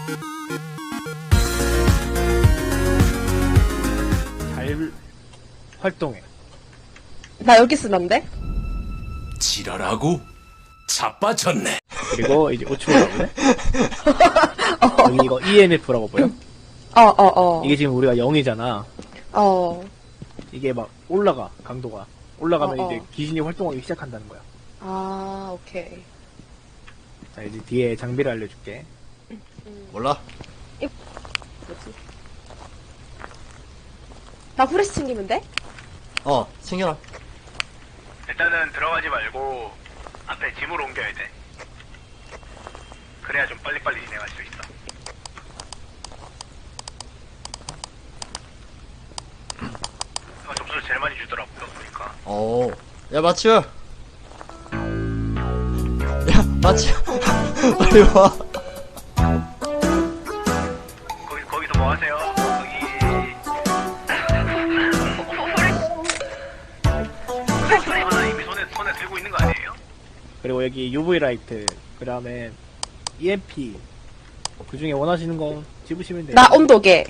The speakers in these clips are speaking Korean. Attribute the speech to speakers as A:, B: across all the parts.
A: 잘 활동해.
B: 나 여기 쓰면 안 돼?
C: 지랄하고 자빠졌네.
A: 그리고 이제 우측으로 가볼래? 여기 이거 EMF라고 보여? 이게 지금 우리가 0이잖아. 이게 막 올라가, 강도가. 올라가면 이제 귀신이 활동하기 시작한다는 거야.
B: 오케이.
A: 자, 이제 뒤에 장비를 알려줄게.
D: 몰라?
B: 뭐지? 나 후레쉬 챙기면 돼?
D: 챙겨라.
E: 일단은 들어가지 말고 앞에 짐으로 옮겨야 돼. 그래야 좀 빨리빨리 진행할 수 있어. 점수를 제일 많이 주더라고요, 보니까.
D: 야, 마츠! 야, 마츠! 빨리 와.
E: 거기서 뭐 하세요? 하나 이미 손에 들고 있는 거 아니에요?
A: 그리고 여기 UV 라이트, 그 다음에 EMP. 그 중에 원하시는 거 집으시면 돼요.
B: 나 온도계.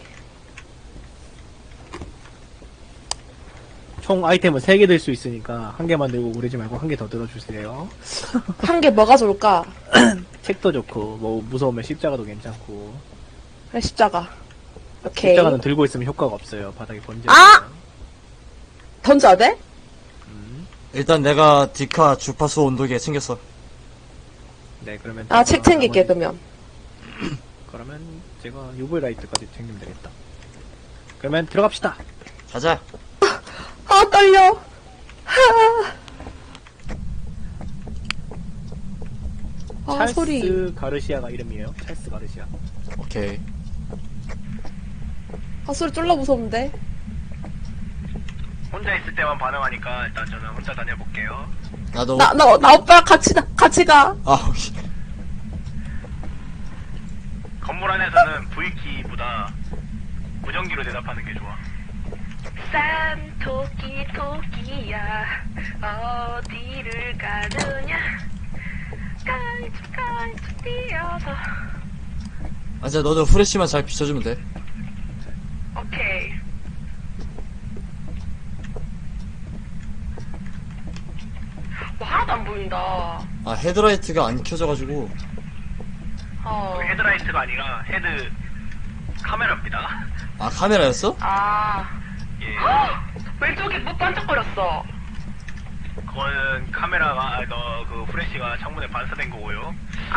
A: 총 아이템은 3개 들 수 있으니까 한 개만 들고 그러지 말고 한 개 더 들어주세요.
B: 한 개 뭐가 좋을까?
A: 책도 좋고, 뭐 무서우면 십자가도 괜찮고.
B: 그래, 십자가. 오케이.
A: 십자가는 들고 있으면 효과가 없어요. 바닥에 번져.
B: 던져야 돼?
D: 일단 내가 디카 주파수 온도계 챙겼어.
A: 네, 그러면.
B: 책 챙길게, 그러면.
A: 그러면 제가 UV 라이트까지 챙기면 되겠다. 그러면 들어갑시다.
D: 가자.
B: 떨려.
A: 찰스
B: 소리.
A: 가르시아가 이름이에요. 찰스 가르시아.
D: 오케이.
B: 소리 쫄라 무서운데.
E: 혼자 있을 때만 반응하니까 일단 저는 혼자 다녀볼게요.
D: 나도.
B: 나 오빠랑 같이 가.
D: 오케이.
E: 건물 안에서는 V키보다 무전기로 대답하는 게 좋아. 싼 토끼야 어디를 가느냐 깔쭉 뛰어서.
D: 진짜 너도 후레쉬만 잘 비춰주면 돼.
E: 오케이. 하나도 안 보인다.
D: 헤드라이트가 안 켜져가지고.
E: 헤드라이트가 아니라 헤드 카메라입니다.
D: 카메라였어?
E: 예.
F: 왼쪽에 뭐 반짝거렸어.
E: 그거는 카메라가 그 프레쉬가 창문에 반사된 거고요.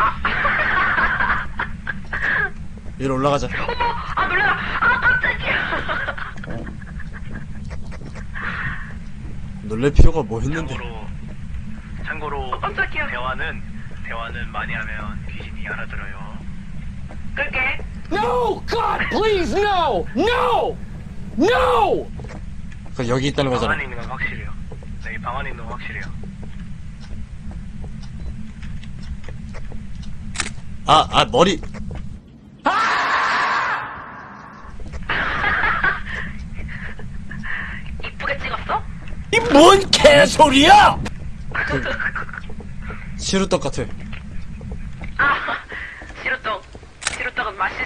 D: 위로 올라가자.
F: 놀래라. 깜짝이야.
D: 놀랄 필요가 뭐 했는데.
E: 참고로
F: 깜짝이야.
E: 대화는 많이 하면 귀신이 알아들어요.
F: 끌게.
C: No, God, please, no, no, no.
D: 그 여기 있다는
E: 방
D: 거잖아.
E: 안에 있는 건 확실해요. 네, 방 안에 있는 건 확실해요.
D: 머리.
F: 이쁘게 찍었어?
C: 이 뭔 개소리야?
D: 시루떡 같아.
F: 시루떡은 맛있.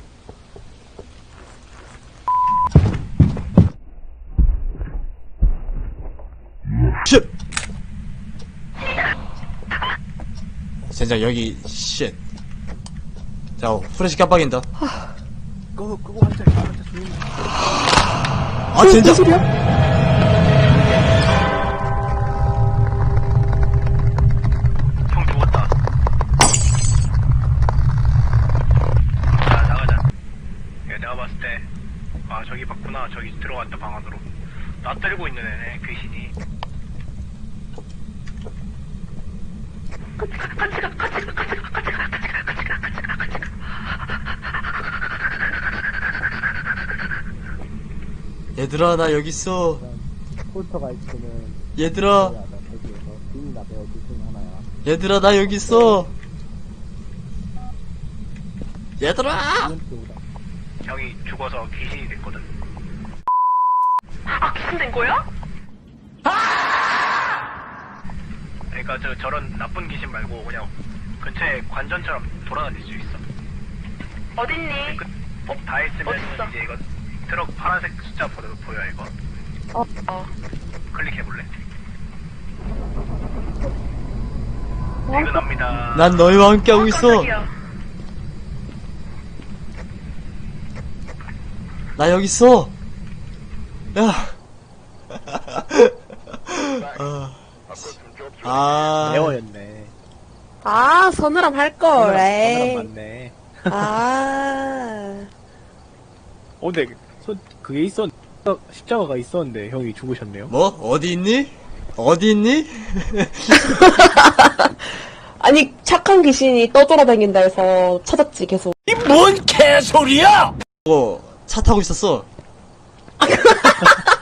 D: 쉿! 젠장 여기 쉿. 자, 후레쉬 깜빡인다.
A: 끄고 앉아 조용히.
D: 젠장!
E: 형 죽었다. 자, 나가자. 야, 내가 봤을 때 저기 봤구나. 저기 들어갔다, 방 안으로. 나 때리고 있는 애네, 귀신이.
D: 얘들아, 나 여기 있어.
A: 폴터가 있으면
D: 얘들아,
A: 대기에서 주인이나 배우 둘중 하나야.
D: 얘들아, 나 여기 있어. 얘들아!
E: 형이 죽어서 귀신이 됐거든.
F: 귀신 된 거야?
E: 그러니까 저런 나쁜 귀신 말고 그냥 근처에 관전처럼 돌아다닐 수 있어.
F: 어딨니?
E: 다 했으면
F: 어딨어?
E: 이제 이거 트럭 파란색 숫자 보여 이거. 클릭해볼래? 퇴근합니다.
D: 난 너희와 함께하고 있어.
F: 깜짝이야.
D: 나 여기 있어. 야.
A: 레어였네.
B: 아, 서늘함 할걸, 에이.
A: 맞네.
B: 아.
A: 근데 그게 십자가가 있었는데 형이 죽으셨네요.
D: 뭐? 어디 있니? 어디 있니?
B: 아니, 착한 귀신이 떠돌아다닌다 해서 찾았지, 계속.
C: 이 뭔 개소리야!
D: 차 타고 있었어.